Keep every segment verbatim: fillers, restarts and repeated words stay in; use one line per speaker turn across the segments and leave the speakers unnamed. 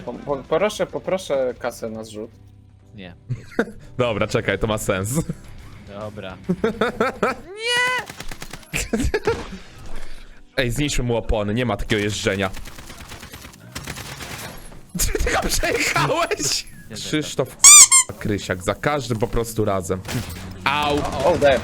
Po, po, poproszę, poproszę kasę na zrzut.
Nie.
Dobra, czekaj, to ma sens.
Dobra.
Ej, zniszczmy mu opony, nie ma takiego jeżdżenia. Ty tylko przejechałeś! Krzysztof Krysiak, za każdym po prostu razem. Au!
O, daj.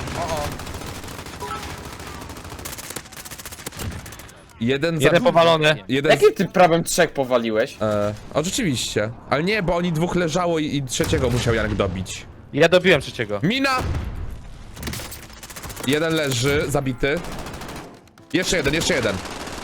Jeden za...
Jeden powalony.
Jeden z...
Jakim ty prawem trzech powaliłeś?
E, o, rzeczywiście. Ale nie, bo oni dwóch leżało i, i trzeciego musiał Janek dobić.
Ja dobiłem trzeciego.
Mina! Jeden leży, zabity. Jeszcze jeden, jeszcze jeden.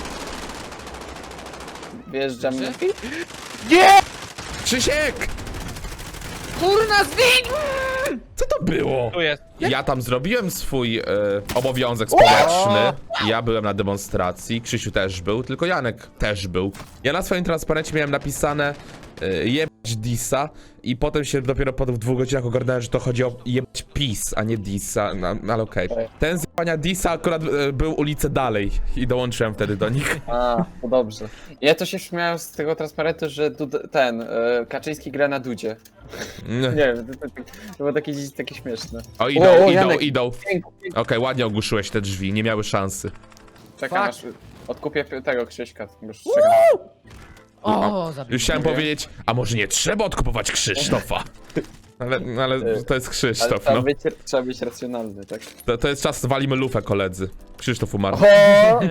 Wjeżdżam.
Nie!
Krzysiek!
Kurna, zwiń!
Co to było?
Tu jest.
Ja tam zrobiłem swój e, obowiązek społeczny. Ja byłem na demonstracji, Krzysiu też był, tylko Janek też był. Ja na swoim transparencie miałem napisane e, jebać Disa i potem się dopiero po dwóch godzinach ogarnąłem, że to chodzi o jebać PiS, a nie Disa, no, no, ale okej. Okay. Ten z jebania Disa akurat e, był ulicę dalej i dołączyłem wtedy do nich.
A, to dobrze. Ja to się śmiałem z tego transparentu, że Dud ten, e, Kaczyński gra na Dudzie. Nie wiem, to, to, to było takie, takie śmieszne.
O, idą,
O, o,
idą,
Janek.
idą.
Pięknie, pięknie.
Okej, ładnie ogłuszyłeś te drzwi, nie miały szansy.
Czekam aż odkupię tego Krzyśka. Już czekam.
O, zabił.
Już chciałem powiedzieć, a może nie trzeba odkupować Krzysztofa? Ale, ale to jest
Ale
Krzysztof,
trzeba,
no.
być, trzeba być racjonalny, tak?
To, to jest czas, walimy lufę, koledzy. Krzysztof umarł.
O!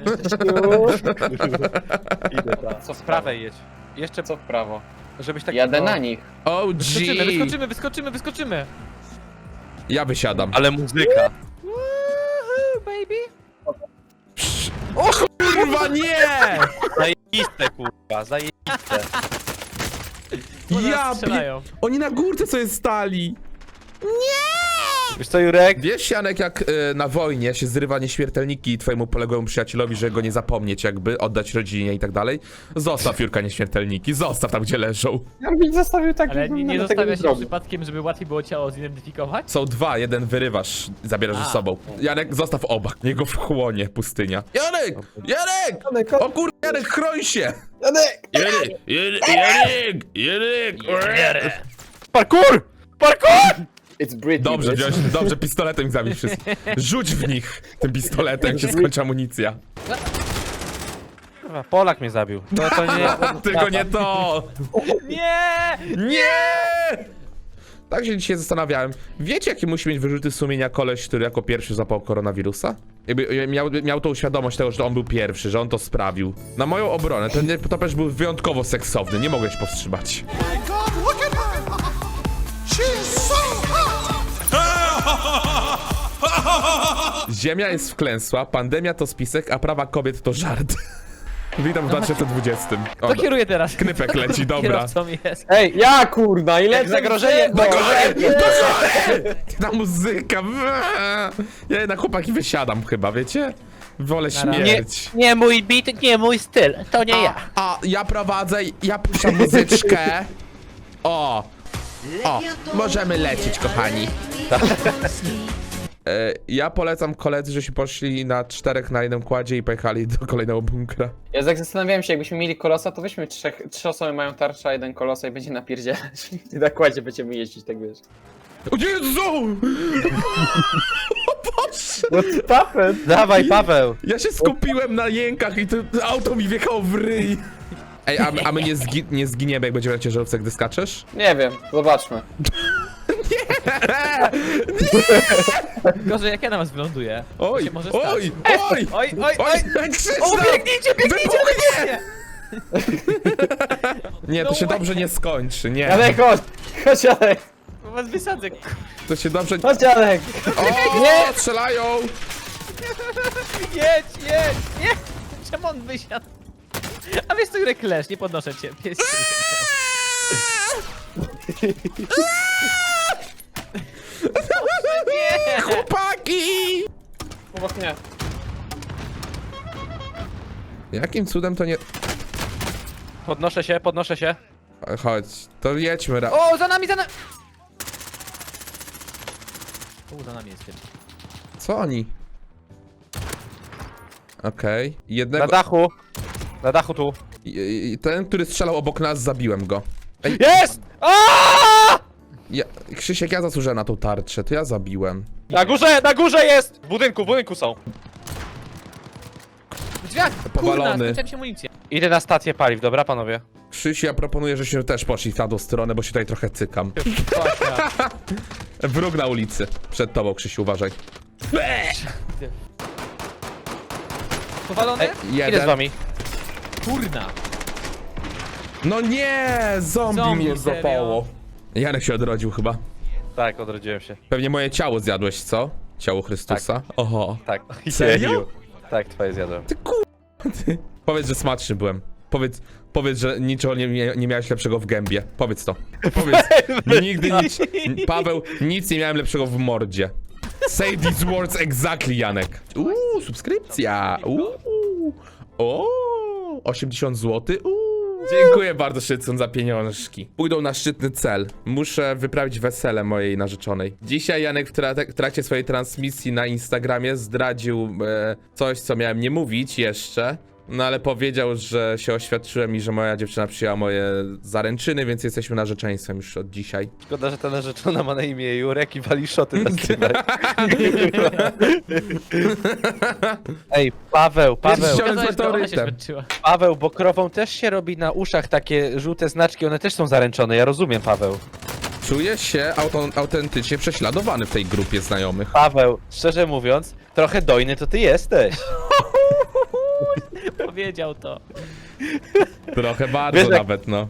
Idę tam. Co z prawej jedź. Jeszcze,
Co w prawo?
żebyś tak...
Jadę na nich.
O
Wyskoczymy,
G!
wyskoczymy, wyskoczymy, wyskoczymy!
Ja wysiadam.
Ale muzyka.
Woohoo, baby!
O kurwa, nie!
Zajebiste, kurwa, zajebiste.
Ja pie...
strzelają.
Oni na górce sobie stali.
Wiesz co, Jurek?
Wiesz, Janek, jak y, na wojnie się zrywa nieśmiertelniki twojemu poległemu przyjacielowi, że go nie zapomnieć jakby, oddać rodzinie i tak dalej? Zostaw, Jurka, nieśmiertelniki, zostaw tam, gdzie leżą.
Ja bym zostawił tak,
Ale
jakbym
nie, nie
nawet tego
zostawia się
zrobił.
przypadkiem, żeby łatwiej było ciało zidentyfikować?
Są dwa, jeden wyrywasz, zabierasz ze
A.
sobą. Janek, zostaw oba, niech go wchłonie pustynia. Janek! Janek!
Janek,
O kur... Janek, chroń się!
Janek!
Janek! Janek! Janek! Janek!
Parkour! Parkour!
It's Britney,
Dobrze,
bitch.
wziąć, dobrze, pistoletem ich zabić wszystkich. Rzuć w nich tym pistoletem, jak się skończy amunicja.
Kurwa, Polak mnie zabił. To, to nie...
Tylko nie to!
Nie!
Nie! Tak się dzisiaj zastanawiałem. Wiecie, jakie musi mieć wyrzuty sumienia koleś, który jako pierwszy zapał koronawirusa? Jakby miał, miał tą świadomość tego, że on był pierwszy, że on to sprawił. Na moją obronę, ten nietoperz był wyjątkowo seksowny, nie mogę się powstrzymać.
God, look at her! She's so hot!
Ziemia jest wklęsła, pandemia to spisek, a prawa kobiet to żart. Witam w dwa tysiące dwudziestym. O,
To kieruje teraz.
Knypek leci, dobra.
Kierowcą jest.
Ej, ja kurna, ile
Jak zagrożenie-
No,
Ta muzyka. Ja jednak chłopaki wysiadam chyba, wiecie? Wolę
Nara.
śmierć.
Nie mój beat, nie mój styl. To nie ja.
A ja prowadzę, ja puszczam muzyczkę. O! O, możemy lecieć, kochani. E, ja polecam koledzy, żeśmy poszli na czterech na jednym kładzie i pojechali do kolejnego bunkra.
Ja tak zastanawiałem się, jakbyśmy mieli kolosa, to weźmy trzech, trzy osoby mają tarcza, a jeden kolosa i będzie napierdzielać. I na kładzie będziemy jeździć, tak wiesz.
O Jezu! O Boże!
What happened?
Dawaj, Paweł.
Ja się skupiłem na jękach i to auto mi wjechało w ryj. Ej, a, a my nie, zgi nie zginiemy, jak będziemy na ciężarówce, gdy skaczesz?
Nie wiem, zobaczmy.
Gorzej jak ja na was wyląduję. To
Oj,
się może stać.
oj, oj!
Oj, oj, oj!
Oj, Krzysztof!
O, biegnijcie, biegnijcie, biegnijcie!
Nie, to
No
się
way.
dobrze nie skończy, nie.
Janek, chodź! Chodź, Janek!
Bo was wysadzę.
To się dobrze...
Chodź, Janek!
O,
Nie!
strzelają!
Jedź, jedź, nie! Czemu on wysiadł? A wiesz co, Jurek, leż, nie podnoszę cię. Pies cię nie!
Chłopaki!
Obok mnie.
Jakim cudem to nie...
Podnoszę się, podnoszę się.
Chodź, to jedźmy ra...
O, za nami, za nami! O, za nami jest tym.
Co oni? Okej. Jednego...
Na dachu. Na dachu tu.
I, i ten, który strzelał obok nas, zabiłem go. Ej,
Jest! Aaaa!
ja, Krzysiek, ja zasłużyłem na tą tarczę, to ja zabiłem.
Na górze, na górze jest! W budynku, w budynku są.
W drzwiach! Kurna,
Powalony.
skończyła mi się amunicja.
Idę na stację paliw, dobra panowie?
Krzysiu, ja proponuję, żebyśmy też poszli w tamtą stronę, bo się tutaj trochę cykam. Wróg na ulicy. Przed tobą, Krzysiu, uważaj.
Powalony?
Ej, idę z
Jeden.
wami.
Kurna.
No nie! Zombie,
Zombie,
mnie
serio?
złapało. Janek się odrodził chyba.
Tak, odrodziłem się.
Pewnie moje ciało zjadłeś, co? Ciało Chrystusa? Oho.
Tak.
Serio?
Jeju. Tak, twoje zjadłem.
Ty ku... Ty. Powiedz, że smaczny byłem. Powiedz, powiedz, że niczego nie, nie, nie miałeś lepszego w gębie. Powiedz to. Powiedz. Nigdy nic... Paweł, nic nie miałem lepszego w mordzie. Say these words exactly, Janek. Uuu, subskrypcja. Uuu. O, osiemdziesiąt złotych. Uuu. Dziękuję bardzo, Szycun, za pieniążki. Pójdą na szczytny cel. Muszę wyprawić wesele mojej narzeczonej. Dzisiaj Janek w, tra w trakcie swojej transmisji na Instagramie zdradził e, coś, co miałem nie mówić jeszcze. No ale powiedział, że się oświadczyłem i że moja dziewczyna przyjęła moje zaręczyny, więc jesteśmy narzeczeństwem już od dzisiaj.
Szkoda, że ta narzeczona ma na imię Jurek i wali szoty na streamach. Ej, Paweł, Paweł,
Jest
Okazałeś, że ona się
autorytem.
zmęczyła.
Paweł, bo krową też się robi na uszach takie żółte znaczki, one też są zaręczone, ja rozumiem, Paweł.
Czuję się auto autentycznie prześladowany w tej grupie znajomych.
Paweł, szczerze mówiąc, trochę dojny to ty jesteś.
Powiedział to.
Trochę bardzo
Wiesz, jak-
nawet, no.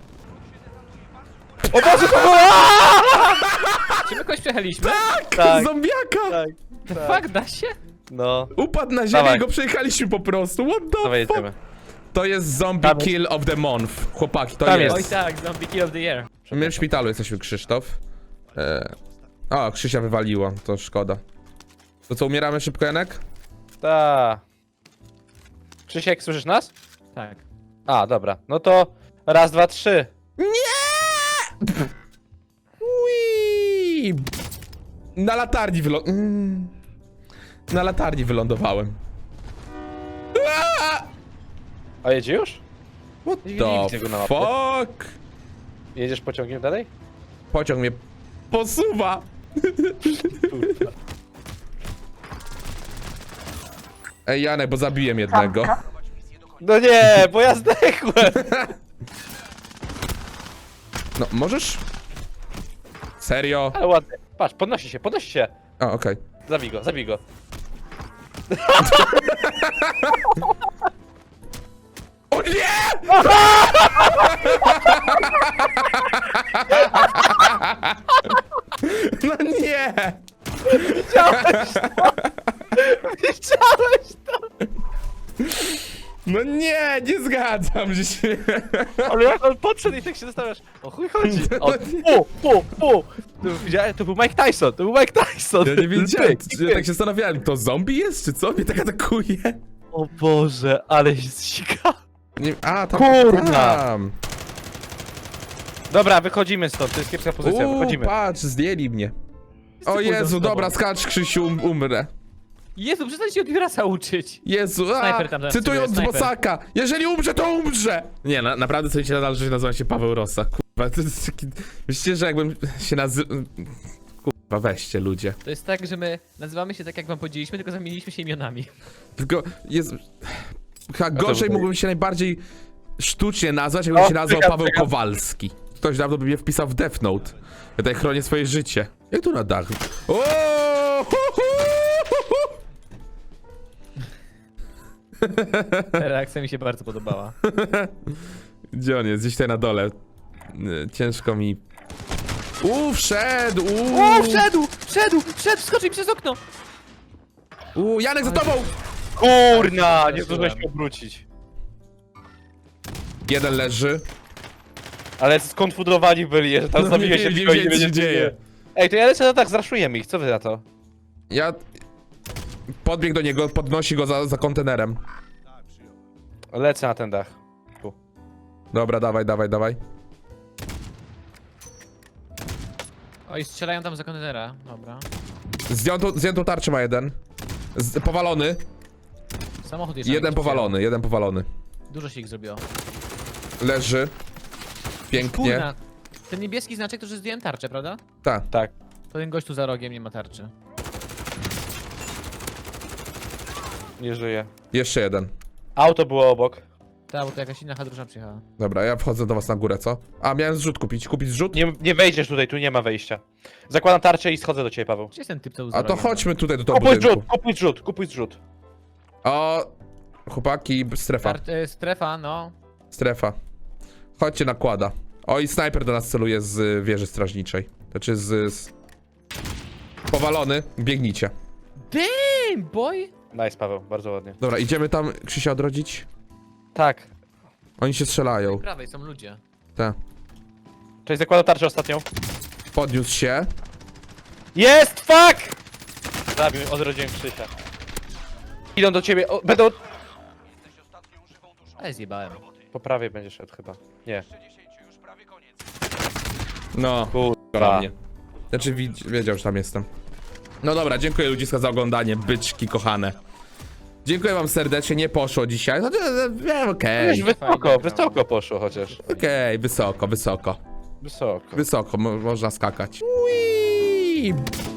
O Boże, to było!
Czy my kogoś przejechaliśmy?
Tak,
Zombiaka!
tak,
Fuck, da się?
no.
Upadł na ziemię
Dawaj.
i go przejechaliśmy po prostu. What the
Dawaj,
fuck?
jedziemy.
To jest zombie
Tam jest.
kill of the month. Chłopaki, to
Tam
jest.
Oj tak, zombie kill of the year.
My w szpitalu jesteśmy, Krzysztof. E... O, Krzysia wywaliło, to szkoda. To co, umieramy szybko, Janek?
Ta. Krzysiek, słyszysz nas?
Tak.
A, dobra. No to raz, dwa, trzy.
Ui! Na latarni wylo... Mm. Na latarni wylądowałem. Aaa!
A jedzie już?
What
Nie
the
widzę go na mapie.
fuck?
Jedziesz pociągiem dalej?
Pociąg mnie posuwa. Ej, Janek, bo zabiłem jednego.
No nie, bo ja zdechłem.
No, możesz? Serio?
Ale ładnie. Patrz, podnosi się, podnosi się.
A, okej.
Zabij go, zabij go.
O nie! No nie!
Widziałeś to?
No nie, nie zgadzam się.
Ale jak on podszedł i tak się zastanawiasz, o chuj chodzi. O, pu, pu, pu. To, widziałem, to był Mike Tyson, to był Mike Tyson.
Ja nie wiedziałem,
Pyk,
ja
pyk.
tak się zastanawiałem, to zombie jest, czy co? Mnie tak atakuje.
O Boże, ale się zsika.
Nie, a, tam,
Kurna.
tam.
Dobra, wychodzimy stąd, to jest kiepska pozycja,
Uuu,
wychodzimy.
patrz, zdjęli mnie. O
pójdą z
Jezu,
tobą.
dobra, skacz, Krzysiu, um, umrę.
Jezu, przestań się od Jurasa uczyć.
Jezu, a,
Snajper tam zaraz
cytując
przybył, snajper.
Bosaka, jeżeli umrze, to umrze! Nie, na, naprawdę sobie się nadal, że nazywam się Paweł Rosa, kurwa, to jest taki... Myślicie, że jakbym się nazywał... Kurwa, weźcie, ludzie.
To jest tak, że my nazywamy się tak, jak wam powiedzieliśmy, tylko zamieniliśmy się imionami.
Tylko jest... Chyba
to
gorzej
było-
mógłbym się najbardziej sztucznie nazwać, jakbym
O,
się nazwał
czekam,
Paweł
czekam.
Kowalski. Ktoś dawno by mnie wpisał w Death Note. Ja tutaj chronię swoje życie. Jak tu na dach? O! Hu, hu, hu, hu.
Ta reakcja mi się bardzo podobała.
Gdzie on jest? Gdzieś tutaj na dole. Y, Ciężko mi... Uuu, wszedł! Uuu,
O, wszedł! Wszedł! Wszedł! Wskoczył przez okno!
Uuu, Janek za tobą!
Kurna, nie zdążyłeś się obrócić.
Jeden leży.
Ale skonfudowani byli, że tam
No,
zabiłeś
nie
się
wiem,
tylko
nie
i
wiem,
nie
co się
będzie
dzieje.
Ej, to ja lecę, no tak, zraszujemy ich, co wy na to?
Ja... Podbiegł do niego, podnosi go za, za kontenerem.
Lecę na ten dach.
Dobra, dawaj, dawaj, dawaj.
Oj, strzelają tam za kontenera. Dobra.
Zdjętą, zdjętą tarczę ma jeden. Z, powalony.
Samochód jest.
Jeden powalony, jeden powalony.
Dużo się ich zrobiło.
Leży. Pięknie.
Kurna. Ten niebieski znaczek to, że zdjąłem tarczę, prawda?
Tak.
Tak.
To ten gość tu za rogiem nie ma tarczy.
Nie żyje.
Jeszcze jeden.
Auto było obok.
Tak, bo to jakaś inna hadrusza przyjechała.
Dobra, ja wchodzę do was na górę, co? A, miałem zrzut kupić. Kupić zrzut?
Nie, nie wejdziesz tutaj, tu nie ma wejścia. Zakładam tarczę i schodzę do ciebie, Paweł.
Gdzie jest ten typ, co był za
A to
rogiem?
chodźmy tutaj do tego
Kupuj
budynku.
zrzut, kupuj zrzut, kupuj zrzut.
O, chłopaki, strefa.
Tar e, strefa, no.
Strefa. Chodźcie, nakłada. O, i snajper do nas celuje z y, wieży strażniczej. Znaczy z... z... Powalony, biegnijcie.
Damn, boy!
Nice, Paweł, bardzo ładnie.
Dobra, idziemy tam Krzysia odrodzić?
Tak.
Oni się strzelają.
Po prawej są ludzie.
Te.
Cześć, zakładam tarczę ostatnią.
Podniósł się.
Jest, fuck! Zabił, odrodziłem Krzysia. Idą do ciebie, o, będą...
Ale zjebałem.
Po prawej będzie szedł chyba. Nie.
No,
Kurwa.
mnie. Znaczy wi- wiedział, że tam jestem. No dobra, dziękuję ludziska za oglądanie, byczki kochane. Dziękuję wam serdecznie, nie poszło dzisiaj. Chociaż, e, wiem, okej.
Wiesz, wysoko,
Fajnie,
wysoko poszło chociaż.
Okej, wysoko, wysoko.
Wysoko.
Wysoko, mo można skakać. Ui!